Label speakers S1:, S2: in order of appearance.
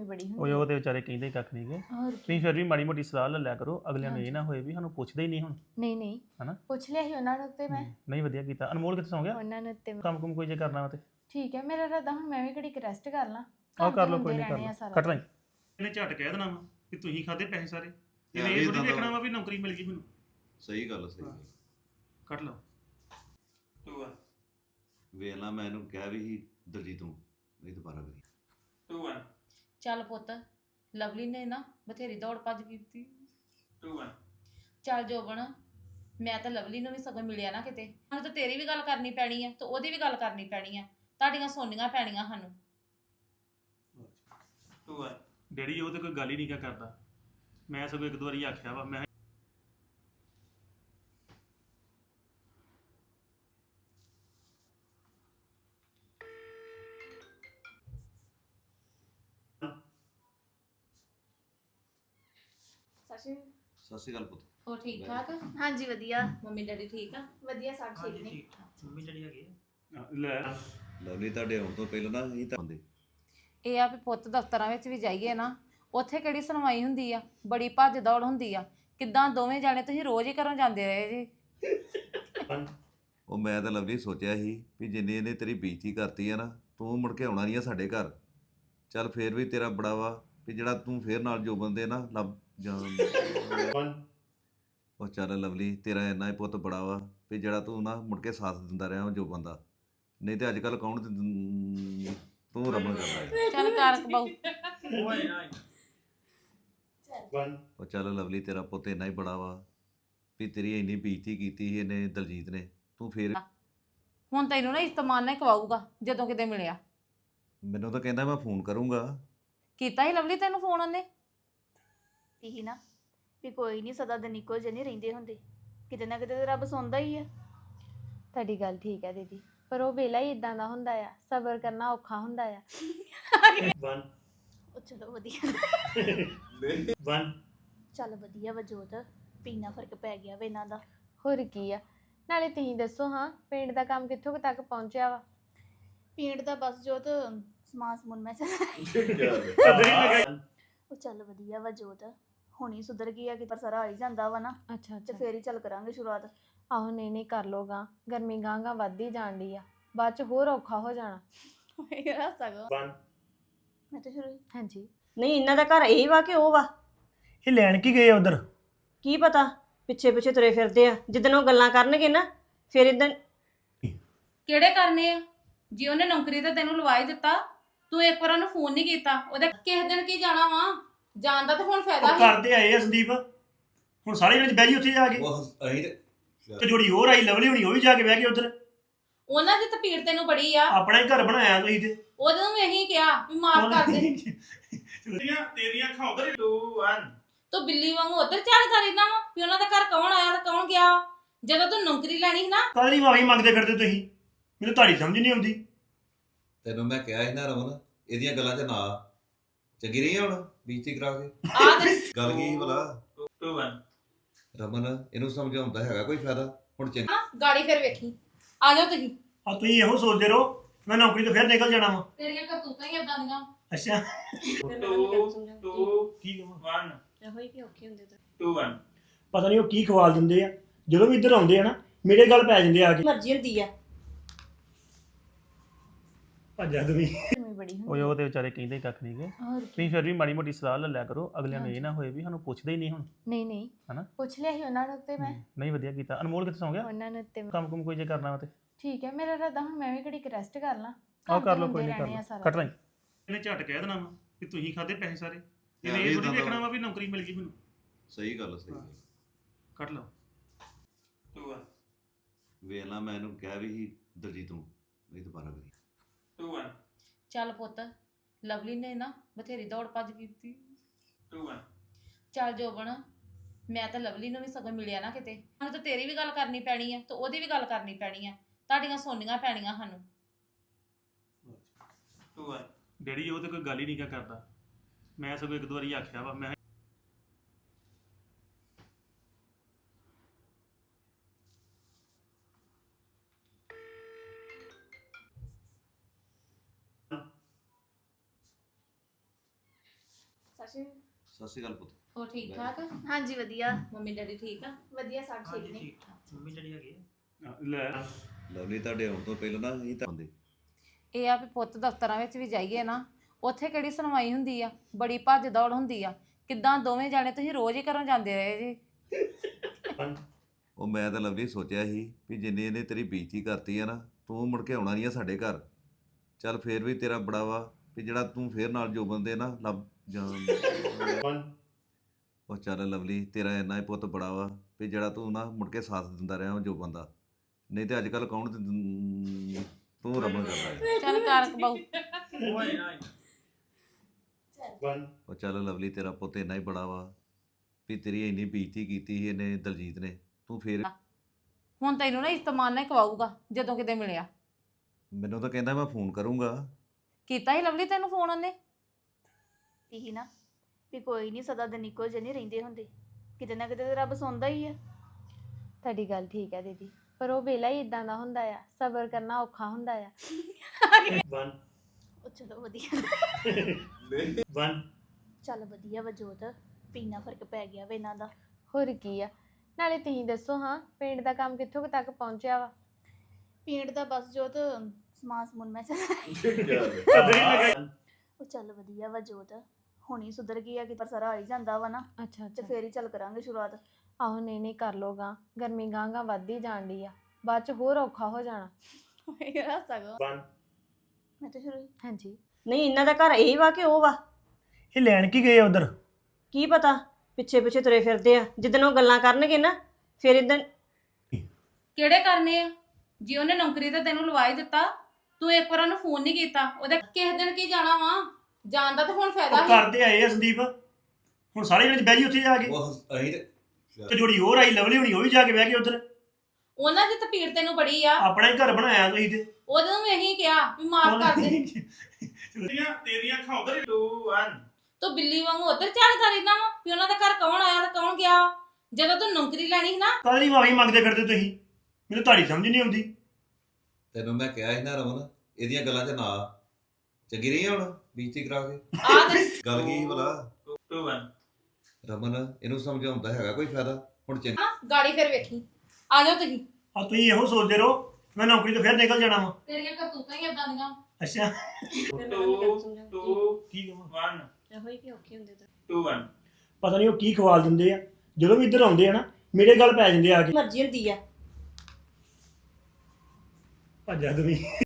S1: ਬੜੀ
S2: ਉਹ
S1: ਹੁੰਦੀ
S2: ਉਹ ਤੇ ਵਿਚਾਰੇ ਕਹਿੰਦੇ ਕੱਖ ਨਹੀਂ ਗੇ
S1: ਹੋਰ ਕੀ।
S2: ਤੁਸੀਂ ਫਿਰ ਵੀ ਮਾੜੀ ਮੋਟੀ ਸਲਾਹ ਲੈ ਲਿਆ ਕਰੋ ਅਗਲਿਆਂ ਨੂੰ ਇਹ ਨਾ ਹੋਏ ਵੀ ਸਾਨੂੰ ਪੁੱਛਦੇ ਹੀ ਨਹੀਂ ਹੁਣ
S1: ਨਹੀਂ ਨਹੀਂ
S2: ਹਨਾ
S1: ਪੁੱਛ ਲਿਆ ਸੀ ਉਹਨਾਂ ਨੂੰ ਤੇ ਮੈਂ
S2: ਨਹੀਂ ਵਧੀਆ ਕੀਤਾ ਅਨਮੋਲ ਕਿੱਥੇ ਸੌਂ ਗਿਆ
S1: ਉਹਨਾਂ ਨੂੰ ਤੇ
S2: ਕੰਮ ਕੁਮ ਕੋਈ ਜੇ ਕਰਨਾ ਵਾ ਤੇ
S1: ਠੀਕ ਹੈ ਮੇਰਾ ਇਰਾਦਾ ਹੁਣ ਮੈਂ ਵੀ ਘੜੀ ਰੈਸਟ ਕਰ ਲਾਂ
S2: ਆਹ
S1: ਕੰਮ
S2: ਕਰ
S1: ਤੇ
S2: ਲਓ ਕੋਈ
S1: ਹੁੰਦੇ
S2: ਨਹੀਂ ਕਰ
S1: ਰਹਿਣੇ ਆ
S2: ਲਓ
S1: ਸਾਰਾ
S2: ਕੱਟ ਲਈ ਇਹਨੇ ਝਟ ਕਹਿ ਦੇਣਾ ਵਾ ਕਿ ਤੁਸੀਂ ਖਾਦੇ ਪੈਸੇ ਸਾਰੇ ਇਹਨੇ ਇਹ ਥੋੜੀ ਦੇਖਣਾ ਵਾ ਵੀ ਨੌਕਰੀ ਮਿਲ ਗਈ ਮੈਨੂੰ
S3: ਸਹੀ ਗੱਲ ਸਹੀ
S2: ਕੱਟ ਲਓ ਤੂੰ ਆ
S3: ਵੇਖ ਲਾ ਮੈਂ ਇਹਨੂੰ ਕਿਹਾ ਵੀ ਸੀ ਦਲਜੀਤ ਨੂੰ ਨਹੀਂ ਦੁਬਾਰਾ ਕਰੀ
S2: ਤੂੰ ਆ
S4: ਚੱਲ ਪੁੱਤ ਲਵਲੀ ਨੇ ਨਾ ਬਥੇਰੀ ਦੌੜ ਭੱਜ ਕੀਤੀ
S2: ਤੂੰ ਆ
S4: ਚੱਲ ਜੋਬਨ ਮੈਂ ਤਾਂ ਲਵਲੀ ਨੂੰ ਵੀ ਸਗੋਂ ਮਿਲਿਆ ਨਾ ਕਿਤੇ ਹੁਣ ਤਾਂ ਤੇਰੀ ਵੀ ਗੱਲ ਕਰਨੀ ਪੈਣੀ ਆ ਤੇ ਉਹਦੀ ਵੀ ਗੱਲ ਕਰਨੀ ਪੈਣੀ ਆ ਤੁਹਾਡੀਆਂ ਸੁਣਨੀਆਂ ਪੈਣੀਆਂ ਸਾਨੂੰ
S2: ਤੂੰ ਆ ਡੈਡੀ ਉਹ ਤੇ ਕੋਈ ਗੱਲ ਹੀ ਨਹੀਂ ਕਰਦਾ ਮੈਂ ਸਗੋਂ ਇੱਕ ਦੋ ਵਾਰੀ ਆਖਿਆ ਵਾ ਮੈਂ
S3: ਸਤਿ ਸ਼੍ਰੀ ਅਕਾਲ ਪੁੱਤ
S4: ਹੋਰ ਠੀਕ ਠਾਕ
S1: ਹਾਂਜੀ ਵਧੀਆ
S4: ਮੰਮੀ ਡੈਡੀ ਠੀਕ ਆ
S1: ਵਧੀਆ ਸਭ ਠੀਕ ਨੇ
S2: ਮੰਮੀ ਜਿਹੜੀ ਹੈਗੀ ਲੈ
S3: ਲਵਲੀ ਤੁਹਾਡੇ ਆਉਣ ਤੋਂ ਪਹਿਲਾਂ ਨਾ ਅਸੀਂ ਤਾਂ ਹੁੰਦੇ
S4: ਇਹ ਆ ਵੀ ਪੁੱਤ ਦਫ਼ਤਰਾਂ ਵਿੱਚ ਵੀ ਜਾਈਏ ਨਾ ਉੱਥੇ ਕਿਹੜੀ ਸੁਣਵਾਈ ਹੁੰਦੀ ਆ ਬੜੀ ਭੱਜ ਦੌੜ ਹੁੰਦੀ ਆ ਕਿੱਦਾਂ ਦੋਵੇਂ ਜਾਣੇ ਤੁਸੀਂ ਰੋਜ਼ ਹੀ ਘਰੋਂ ਜਾਂਦੇ ਰਹੇ ਜੀ
S3: ਉਹ ਮੈਂ ਤਾਂ ਲਵਲੀ ਸੋਚਿਆ ਸੀ ਵੀ ਜਿੰਨੇ ਇਹਨੇ ਤੇਰੀ ਬੇਇੱਜ਼ਤੀ ਕਰਤੀ ਆ ਨਾ ਤੂੰ ਮੁੜ ਕੇ ਆਉਣਾ ਨਹੀਂ ਆ ਸਾਡੇ ਘਰ ਚੱਲ ਫੇਰ ਵੀ ਤੇਰਾ ਬੜਾ ਵਾ ਵੀ ਜਿਹੜਾ ਤੂੰ ਫੇਰ ਨਾਲ ਜੋ ਬੰਦੇ ਨਾ ਲੱਭ ਜਾਂ ਉਹ ਚੱਲ ਲਵਲੀ ਤੇਰਾ ਇੰਨਾ ਹੀ ਪੁੱਤ ਬੜਾ ਵਾ ਵੀ ਜਿਹੜਾ ਤੂੰ ਨਾ ਮੁੜ ਕੇ ਸਾਥ ਦਿੰਦਾ ਰਿਹਾ ਜੋ ਬੰਦਾ ਨਹੀਂ ਤੇ ਅੱਜ ਕੱਲ ਕੌਣ ਤੂੰ ਰਮਨ ਕਰਦਾ ਹੈ
S4: ਚੱਲ ਕਰ ਬਾਊ
S3: ਉਹ ਚੱਲ ਲਵਲੀ ਤੇਰਾ ਪੁੱਤ ਇੰਨਾ ਹੀ ਬੜਾ ਵਾ ਵੀ ਤੇਰੀ ਇੰਨੀ ਬੇਇੱਜ਼ਤੀ ਕੀਤੀ ਸੀ ਇਹਨੇ ਦਲਜੀਤ ਨੇ ਤੂੰ ਫੇਰ
S4: ਹੁਣ ਤੈਨੂੰ ਨਾ ਇਸਤਮਾਨ ਨਾਲ ਕਵਾਊਗਾ ਜਦੋਂ ਕਿਤੇ ਮਿਲਿਆ
S3: ਮੈਨੂੰ ਤਾਂ ਕਹਿੰਦਾ ਮੈਂ ਫੋਨ ਕਰੂੰਗਾ
S4: ਕੀਤਾ ਹੀ ਲਵਲੀ ਤੈਨੂੰ ਫੋਨ ਉਹਨੇ
S5: ਇਹੀ ਨਾ ਵੀ ਕੋਈ ਨਹੀਂ ਸਦਾ ਦਿਨ ਇੱਕੋ ਜਿਹੇ ਨਹੀਂ ਰਹਿੰਦੇ ਹੁੰਦੇ ਕਿਤੇ ਨਾ ਕਿਤੇ ਤਾਂ ਰੱਬ ਸੁਣਦਾ ਹੀ ਆ
S1: ਤੁਹਾਡੀ ਗੱਲ ਠੀਕ ਹੈ ਦੀਦੀ ਪਰ ਉਹ ਵੇਲਾ ਹੀ ਇਦਾਂ ਦਾ ਹੁੰਦਾ ਆ ਸਬਰ ਕਰਨਾ ਔਖਾ ਹੁੰਦਾ ਆ
S5: ਉਹ ਚਲੋ ਵਧੀਆ ਚੱਲ ਵਧੀਆ ਵਜੋਤ ਪੀਣਾ ਫਰਕ ਪੈ ਗਿਆ ਵੇ ਇਹਨਾਂ ਦਾ
S1: ਹੋਰ ਕੀ ਆ ਨਾਲੇ ਤੁਸੀਂ ਦੱਸੋ ਹਾਂ ਪਿੰਡ ਦਾ ਕੰਮ ਕਿੱਥੋਂ ਕੁ ਤੱਕ ਪਹੁੰਚਿਆ ਵਾ
S5: ਪੀਣ ਦਾ ਬਸ ਜੋਤ ਸਮਾਨ ਸਮੂਨ ਮੈਂ ਉਹ ਚੱਲ ਵਧੀਆ ਵਜੋਤ ਹੁਣੀ ਸੁਧਰ ਗਈ ਆ ਕਿ ਪਰ ਸਾਰਾ ਆ ਹੀ ਜਾਂਦਾ ਵਾ ਨਾ
S1: ਅੱਛਾ
S5: ਤੇ ਫੇਰ ਹੀ ਚੱਲ ਕਰਾਂਗੇ ਸ਼ੁਰੂਆਤ
S1: ਆਹੋ ਨਹੀਂ ਕਰ ਲੋਗਾ ਗਰਮੀ ਗਾਂਗਾ ਵੱਧਦੀ ਜਾਂਦੀ ਆ ਬਾਅਦ ਚ ਹੋਰ ਔਖਾ ਹੋ ਜਾਣਾ
S5: ਯਾਰ ਸਗੋਂ ਮੈਂ ਤਾਂ ਸ਼ੁਰੂ
S1: ਹਾਂਜੀ
S6: ਨਹੀਂ ਇਹਨਾਂ ਦਾ ਘਰ ਇਹ ਵਾ ਕਿ ਉਹ ਵਾ
S7: ਇਹ ਲੈਣ ਕੀ ਗਏ ਉਧਰ
S6: ਕੀ ਪਤਾ ਪਿੱਛੇ ਪਿੱਛੇ ਤੁਰੇ ਫਿਰਦੇ ਆ ਜਿੱਦਣ ਉਹ ਗੱਲਾਂ ਕਰਨਗੇ ਨਾ ਫਿਰ ਇਦਾਂ
S4: ਕਿਹੜੇ ਕਰਨੇ ਆ ਜੇ ਉਹਨੇ ਨੌਕਰੀ ਤੇ ਤੈਨੂੰ ਲਵਾ ਹੀ ਦਿੱਤਾ ਤੂੰ ਇੱਕ ਵਾਰ ਉਹਨੂੰ ਫੋਨ ਨਹੀਂ ਕੀਤਾ ਉਹਦੇ ਕਿਸੇ ਦਿਨ ਕੀ ਜਾਣਾ ਵਾ ਜਾਣ ਦਾ ਤਾਂ ਹੁਣ ਫਾਇਦਾ ਹੀ
S7: ਕਰਦੇ ਆਏ ਆ ਸੰਦੀਪ ਹੁਣ ਸਾਰੇ ਜਣੇ ਬਹਿ ਜੀ ਉੱਥੇ ਜਾ ਕੇ
S3: ਉਹ ਅਸੀਂ
S7: ਤੇ ਜੋੜੀ ਹੋਰ ਆਈ ਲਵਲੀ ਹੁਣੀ ਉਹ ਵੀ ਜਾ ਕੇ ਬਹਿ ਗਈ ਉਧਰ
S4: ਉਹਨਾਂ ਦੀ ਤਪੀੜ ਤੈਨੂੰ ਬੜੀ ਆ
S7: ਆਪਣਾ ਹੀ ਘਰ ਬਣਾਇਆ ਤੁਸੀਂ ਤੇ
S4: ਉਹਦੇ ਨੂੰ ਇਹੀ ਕਿਹਾ ਵੀ ਮਾਫ ਕਰ ਦੇ
S2: ਤੇਰੀਆਂ ਅੱਖਾਂ ਉਧਰ 2 1
S4: ਤੂੰ ਬਿੱਲੀ ਵਾਂਗੂ ਉਧਰ ਚੱਲ ਕਰ ਇਹਨਾਂ ਵਾ ਵੀ ਉਹਨਾਂ ਦਾ ਘਰ ਕੌਣ ਆਇਆ ਤੇ ਕੌਣ ਗਿਆ ਜਦੋਂ ਤੂੰ ਨੌਕਰੀ ਲੈਣੀ ਸੀ ਨਾ
S7: ਕਾਹਦੀ ਮਾਫੀ ਮੰਗਦੇ ਫਿਰਦੇ ਤੁਸੀਂ ਮੈਨੂੰ ਤੁਹਾਡੀ ਸਮਝ ਨਹੀਂ ਆਉਂਦੀ
S3: ਤੈਨੂੰ ਮੈਂ ਕਿਹਾ ਸੀ ਨਾ ਰਮਨ ਇਹਦੀਆਂ ਗੱਲਾਂ 'ਚ ਨਾ ਚੰਗੀ ਰਹੀ ਹੁਣ ਬੇਇੱਜ਼ਤੀ ਕਰਾ ਕੇ
S4: ਆ ਤੇ
S3: ਗੱਲ ਕੀ ਸੀ ਭਲਾ
S2: 2 1
S3: ਰਮਨ ਇਹਨੂੰ ਸਮਝਾਉਂਦਾ ਹੈਗਾ ਕੋਈ ਫਾਇਦਾ ਹੁਣ ਚੰਗੀ
S4: ਗਾੜੀ ਫਿਰ ਵੇਖੀ ਆ ਜਾਓ ਤੁਸੀਂ
S7: ਆ ਤੁਸੀਂ ਇਹੋ ਸੋਚਦੇ ਰਹੋ ਮੈਂ ਨੌਕਰੀ ਤੋਂ ਫਿਰ ਨਿਕਲ ਜਾਣਾ ਵਾ
S4: ਤੇਰੀਆਂ ਕਰਤੂਤਾਂ ਹੀ ਏਦਾਂ ਦੀਆਂ
S7: ਅੱਛਾ
S2: 2 ਕੀ 1
S6: ਇਹੋ ਹੀ ਕਿ ਔਖੇ ਹੁੰਦੇ ਤਾਂ
S2: 2 1
S7: ਪਤਾ ਨਹੀਂ ਉਹ ਕੀ ਖਵਾਲ ਦਿੰਦੇ ਆ ਜਦੋਂ ਵੀ ਇੱਧਰ ਆਉਂਦੇ ਆ ਨਾ ਮੇਰੇ ਗੱਲ ਪੈ ਜਾਂਦੇ ਆ ਕੇ
S6: ਮਰਜ਼ੀ ਹੁੰਦੀ ਆ
S7: ਭੱਜਾ ਤੁਸੀਂ
S1: ਗਰਮੀ ਬੜੀ ਹੁੰਦੀ
S2: ਉਹ ਤੇ ਵਿਚਾਰੇ ਕਹਿੰਦੇ ਕੱਖ ਨਹੀਂ ਗੇ
S1: ਹੋਰ ਕੀ।
S2: ਤੁਸੀਂ ਫਿਰ ਵੀ ਮਾੜੀ ਮੋਟੀ ਸਲਾਹ ਲੈ ਲਿਆ ਕਰੋ ਅਗਲਿਆਂ ਨੂੰ ਇਹ ਨਾ ਹੋਏ ਵੀ ਸਾਨੂੰ ਪੁੱਛਦੇ ਹੀ ਨਹੀਂ ਹੁਣ
S1: ਨਹੀਂ ਨਹੀਂ
S2: ਹਨਾ
S1: ਪੁੱਛ ਲਿਆ ਸੀ ਉਹਨਾਂ ਨੂੰ ਤੇ ਮੈਂ
S2: ਨਹੀਂ ਵਧੀਆ ਕੀਤਾ ਅਨਮੋਲ ਕਿੱਥੇ ਸੌਂ ਗਿਆ
S1: ਉਹਨਾਂ ਨੂੰ ਤੇ
S2: ਕੰਮ ਕੁਮ ਕੋਈ ਜੇ ਕਰਨਾ ਵਾ ਤੇ
S1: ਠੀਕ ਹੈ ਮੇਰਾ ਇਰਾਦਾ ਹੁਣ ਮੈਂ ਵੀ ਘੜੀ ਰੈਸਟ ਕਰ ਲਾਂ
S2: ਆਹ
S1: ਕੰਮ
S2: ਕਰ
S1: ਤੇ
S2: ਲਓ ਕੋਈ
S1: ਹੁੰਦੇ
S2: ਨਹੀਂ ਕਰ
S1: ਰਹਿਣੇ ਆ
S2: ਲਓ
S1: ਸਾਰਾ
S2: ਕੱਟ ਲਈ ਇਹਨੇ ਝਟ ਕਹਿ ਦੇਣਾ ਵਾ ਕਿ ਤੁਸੀਂ ਖਾਦੇ ਪੈਸੇ ਸਾਰੇ ਇਹਨੇ
S3: ਵੀ
S2: ਇਹ ਥੋੜੀ
S3: ਏਦਾਂ ਦਾ
S2: ਦੇਖਣਾ ਵਾ ਵੀ ਨੌਕਰੀ ਮਿਲ ਗਈ ਮੈਨੂੰ
S3: ਸਹੀ ਗੱਲ ਸਹੀ
S2: ਕੱਟ ਲਓ 2 1
S3: ਵੇਖ ਲਾ ਮੈਂ ਇਹਨੂੰ ਕਿਹਾ ਵੀ ਸੀ ਦਲਜੀਤ ਨੂੰ ਨਹੀਂ ਦੁਬਾਰਾ ਕਰੀ
S2: 2 1
S4: ਚੱਲ ਪੁੱਤ ਲਵਲੀ ਨੇ ਨਾ ਬਥੇਰੀ ਦੌੜ ਭੱਜ ਕੀਤੀ
S2: 2 1
S4: ਚੱਲ ਜੋਬਨ ਮੈਂ ਤਾਂ ਲਵਲੀ ਨੂੰ ਵੀ ਸਗੋਂ ਮਿਲਿਆ ਨਾ ਕਿਤੇ ਹੁਣ ਤਾਂ ਤੇਰੀ ਵੀ ਗੱਲ ਕਰਨੀ ਪੈਣੀ ਆ ਤੇ ਉਹਦੀ ਵੀ ਗੱਲ ਕਰਨੀ ਪੈਣੀ ਆ ਤੁਹਾਡੀਆਂ ਸੁਣਨੀਆਂ ਪੈਣੀਆਂ ਸਾਨੂੰ
S2: 2 1 ਡੈਡੀ ਉਹ ਤੇ ਕੋਈ ਗੱਲ ਹੀ ਨਹੀਂ ਕਰਦਾ ਮੈਂ ਸਗੋਂ ਇੱਕ ਦੋ ਵਾਰੀ ਆਖਿਆ ਵਾ ਮੈਂ
S3: ਸਤਿ ਸ਼੍ਰੀ ਅਕਾਲ ਪੁੱਤ।
S4: ਹੋਰ ਠੀਕ ਠਾਕ
S5: ਹਾਂਜੀ ਵਧੀਆ
S4: ਮੰਮੀ ਡੈਡੀ ਠੀਕ ਆ
S5: ਵਧੀਆ ਸਭ ਠੀਕ ਨੇ
S7: ਮੰਮੀ ਜਿਹੜੀ ਹੈਗੀ
S2: ਲੈ
S3: ਲਵਲੀ ਤੁਹਾਡੇ ਆਉਣ ਤੋਂ ਪਹਿਲਾਂ ਨਾ ਅਸੀਂ ਤਾਂ ਹੁੰਦੇ
S4: ਇਹ ਆ ਵੀ ਪੁੱਤ ਦਫ਼ਤਰਾਂ ਵਿੱਚ ਵੀ ਜਾਈਏ ਨਾ ਉੱਥੇ ਕਿਹੜੀ ਸੁਣਵਾਈ ਹੁੰਦੀ ਆ ਬੜੀ ਭੱਜ ਦੌੜ ਹੁੰਦੀ ਆ ਕਿੱਦਾਂ ਦੋਵੇਂ ਜਾਣੇ ਤੁਸੀਂ ਰੋਜ਼ ਹੀ ਘਰੋਂ ਜਾਂਦੇ ਰਹੇ ਜੀ
S3: ਉਹ ਮੈਂ ਤਾਂ ਲਵਲੀ ਸੋਚਿਆ ਸੀ ਵੀ ਜਿੰਨੇ ਇਹਨੇ ਤੇਰੀ ਬੇਇੱਜ਼ਤੀ ਕਰਤੀ ਆ ਨਾ ਤੂੰ ਮੁੜ ਕੇ ਆਉਣਾ ਨਹੀਂ ਆ ਸਾਡੇ ਘਰ ਚੱਲ ਫੇਰ ਵੀ ਤੇਰਾ ਬੜਾ ਵਾ ਵੀ ਜਿਹੜਾ ਤੂੰ ਫੇਰ ਨਾਲ ਜੋ ਬੰਦੇ ਨਾ ਲੱਭ ਜਾਂ ਉਹ ਚੱਲ ਲਵਲੀ ਤੇਰਾ ਇੰਨਾ ਹੀ ਪੁੱਤ ਬੜਾ ਵਾ ਵੀ ਜਿਹੜਾ ਤੂੰ ਨਾ ਮੁੜ ਕੇ ਸਾਥ ਦਿੰਦਾ ਰਿਹਾ ਜੋ ਬੰਦਾ ਨਹੀਂ ਤੇ ਅੱਜ ਕੱਲ ਕੌਣ ਤੂੰ ਰਮਨ ਕਰਦਾ ਹੈ।
S4: ਚੱਲ ਕਰ ਬਾਊ
S3: ਉਹ ਚੱਲ ਲਵਲੀ ਤੇਰਾ ਪੁੱਤ ਇੰਨਾ ਹੀ ਬੜਾ ਵਾ ਵੀ ਤੇਰੀ ਇੰਨੀ ਬੇਇੱਜ਼ਤੀ ਕੀਤੀ ਸੀ ਇਹਨੇ ਦਲਜੀਤ ਨੇ ਤੂੰ ਫੇਰ
S4: ਹੁਣ ਤੈਨੂੰ ਨਾ ਇਸਤਮਾਨ ਨਾਲ ਕਵਾਊਗਾ ਜਦੋਂ ਕਿਤੇ ਮਿਲਿਆ
S3: ਮੈਨੂੰ ਤਾਂ ਕਹਿੰਦਾ ਮੈਂ ਫੋਨ ਕਰੂੰਗਾ
S4: ਕੀਤਾ ਹੀ ਲਵਲੀ ਤੈਨੂੰ ਫੋਨ ਉਹਨੇ
S5: ਇਹੀ ਨਾ ਵੀ ਕੋਈ ਨਹੀਂ ਸਦਾ ਦਿਨ ਇੱਕੋ ਜਿਹੇ ਨਹੀਂ ਰਹਿੰਦੇ ਹੁੰਦੇ ਕਿਤੇ ਨਾ ਕਿਤੇ ਤਾਂ ਰੱਬ ਸੁਣਦਾ ਹੀ ਆ
S1: ਤੁਹਾਡੀ ਗੱਲ ਠੀਕ ਹੈ ਦੀਦੀ ਪਰ ਉਹ ਵੇਲਾ ਹੀ ਇਦਾਂ ਦਾ ਹੁੰਦਾ ਆ ਸਬਰ ਕਰਨਾ ਔਖਾ ਹੁੰਦਾ ਆ
S5: ਉਹ ਚਲੋ ਵਧੀਆ ਚੱਲ ਵਧੀਆ ਵਜੋਤ ਪੀਣਾ ਫਰਕ ਪੈ ਗਿਆ ਵੇ ਇਹਨਾਂ ਦਾ
S1: ਹੋਰ ਕੀ ਆ ਨਾਲੇ ਤੁਸੀਂ ਦੱਸੋ ਹਾਂ ਪਿੰਡ ਦਾ ਕੰਮ ਕਿੱਥੋਂ ਕੁ ਤੱਕ ਪਹੁੰਚਿਆ ਵਾ
S5: ਪੀਣ ਦਾ ਬਸ ਜੋਤ ਸਮਾਨ ਸਮੂਨ ਮੈਂ ਉਹ ਚੱਲ ਵਧੀਆ ਵਜੋਤ ਹੁਣੀ ਸੁਧਰ ਗਈ ਆ ਕਿ ਪਰ ਸਾਰਾ ਆ ਹੀ ਜਾਂਦਾ ਵਾ ਨਾ
S1: ਅੱਛਾ
S5: ਤੇ ਫੇਰ ਹੀ ਚੱਲ ਕਰਾਂਗੇ ਸ਼ੁਰੂਆਤ
S1: ਆਹੋ ਨਹੀਂ ਕਰ ਲੋਗਾ ਗਰਮੀ ਗਾਂਗਾ ਵੱਧਦੀ ਜਾਣ ਡਈ ਆ ਬਾਅਦ ਚ ਹੋਰ ਔਖਾ ਹੋ ਜਾਣਾ
S5: ਮੈਂ ਤਾਂ ਸ਼ੁਰੂ
S1: ਹਾਂਜੀ
S6: ਨਹੀਂ ਇਹਨਾਂ ਦਾ ਘਰ ਇਹ ਵਾ ਕਿ ਉਹ ਵਾ
S7: ਇਹ ਲੈਣ ਕੀ ਗਏ ਉਧਰ
S6: ਕੀ ਪਤਾ ਪਿੱਛੇ ਪਿੱਛੇ ਤੁਰੇ ਫਿਰਦੇ ਆ ਜਿੱਦਣ ਉਹ ਗੱਲਾਂ ਕਰਨਗੇ ਨਾ ਫਿਰ ਇਦਾਂ
S4: ਕਿਹੜੇ ਕਰਨੇ ਆ ਜੇ ਉਹਨੇ ਨੌਕਰੀ ਤੇ ਤੈਨੂੰ ਲਵਾ ਹੀ ਦਿੱਤਾ ਤੂੰ ਇੱਕ ਵਾਰ ਉਹਨੂੰ ਫੋਨ ਨਹੀਂ ਕੀਤਾ ਉਹਦੇ ਕਿਸੇ ਦਿਨ ਕੀ ਜਾਣਾ ਵਾ ਜਾਣ ਦਾ ਤਾਂ ਹੁਣ ਫਾਇਦਾ
S7: ਉਹ
S4: ਹੀ
S7: ਕਰਦੇ ਆਏ ਆ ਸੰਦੀਪ ਹੁਣ ਸਾਰੇ ਵਿੱਚ ਬਹਿ ਜੀ ਉੱਥੇ ਜਾ ਕੇ
S3: ਉਹ ਅਸੀਂ
S7: ਤੇ ਜੋੜੀ ਹੋਰ ਆਈ ਲਵਲੀ ਹੋਣੀ ਉਹ ਵੀ ਜਾ ਕੇ ਬਹਿ ਗਏ ਉਧਰ
S4: ਉਹਨਾਂ ਦੀ ਤਪੀੜ ਤੈਨੂੰ ਬੜੀ ਆ
S7: ਆਪਣਾ ਹੀ ਘਰ ਬਣਾਇਆ ਤੁਸੀਂ ਤੇ
S4: ਉਹਦੇ ਨੂੰ ਇਹੀ ਕਿਹਾ ਵੀ ਮਾਫ ਕਰ ਦੇ
S2: ਤੇਰੀਆਂ ਅੱਖਾਂ ਉਧਰ 2 1
S4: ਤੂੰ ਬਿੱਲੀ ਵਾਂਗੂ ਉਧਰ ਝਾੜਦਾ ਰਹਿਣਾ ਵਾ ਵੀ ਉਹਨਾਂ ਦਾ ਘਰ ਕੌਣ ਆਇਆ ਤੇ ਕੌਣ ਗਿਆ ਜਦੋਂ ਤੂੰ ਨੌਕਰੀ ਲੈਣੀ ਸੀ ਨਾ
S7: ਕਾਹਦੀ ਮਾਫੀ ਮੰਗਦੇ ਫਿਰਦੇ ਤੁਸੀਂ ਮੈਨੂੰ ਤੁਹਾਡੀ ਸਮਝ ਨਹੀਂ ਆਉਂਦੀ
S3: ਤੈਨੂੰ ਮੈਂ ਕਿਹਾ ਸੀ ਨਾ ਰਮਨ ਇਹਦੀਆਂ ਗੱਲਾਂ 'ਚ ਨਾ ਚੰਗੀ ਰਹੀ ਹੁਣ ਬੇਇੱਜ਼ਤੀ ਕਰਾ ਕੇ
S4: ਆ ਤੇ
S3: ਗੱਲ ਕੀ ਸੀ ਭਲਾ
S2: 2 1
S3: ਰਮਨ ਇਹਨੂੰ ਸਮਝਾਉਂਦਾ ਹੈਗਾ ਕੋਈ ਫਾਇਦਾ ਹੁਣ ਚੰਗੀ
S4: ਨਾ ਗਾੜੀ ਫਿਰ ਵੇਖੀ ਆ ਜਾਓ ਤੁਸੀਂ
S7: ਆ ਤੁਸੀਂ ਇਹੋ ਸੋਚਦੇ ਰਹੋ ਮੈਂ ਨੌਕਰੀ ਤੋਂ ਫਿਰ ਨਿਕਲ ਜਾਣਾ ਵਾ
S4: ਤੇਰੀਆਂ ਕਰਤੂਤਾਂ ਹੀ ਏਦਾਂ ਦੀਆਂ
S7: ਅੱਛਾ
S2: 2
S7: ਕੀ ਕਹਾਂ
S2: 1
S6: ਇਹੋ ਹੀ ਕਿ ਔਖੇ ਹੁੰਦੇ ਤਾਂ
S2: 2 1
S7: ਪਤਾ ਨਹੀਂ ਉਹ ਕੀ ਖਵਾਲ ਦਿੰਦੇ ਆ ਜਦੋਂ ਵੀ ਇੱਧਰ ਆਉਂਦੇ ਆ ਨਾ ਮੇਰੇ ਗੱਲ ਪੈ ਜਾਂਦੇ ਆ ਕੇ
S6: ਮਰਜ਼ੀ ਹੁੰਦੀ ਆ
S7: ਭੱਜਾ ਤੁਸੀਂ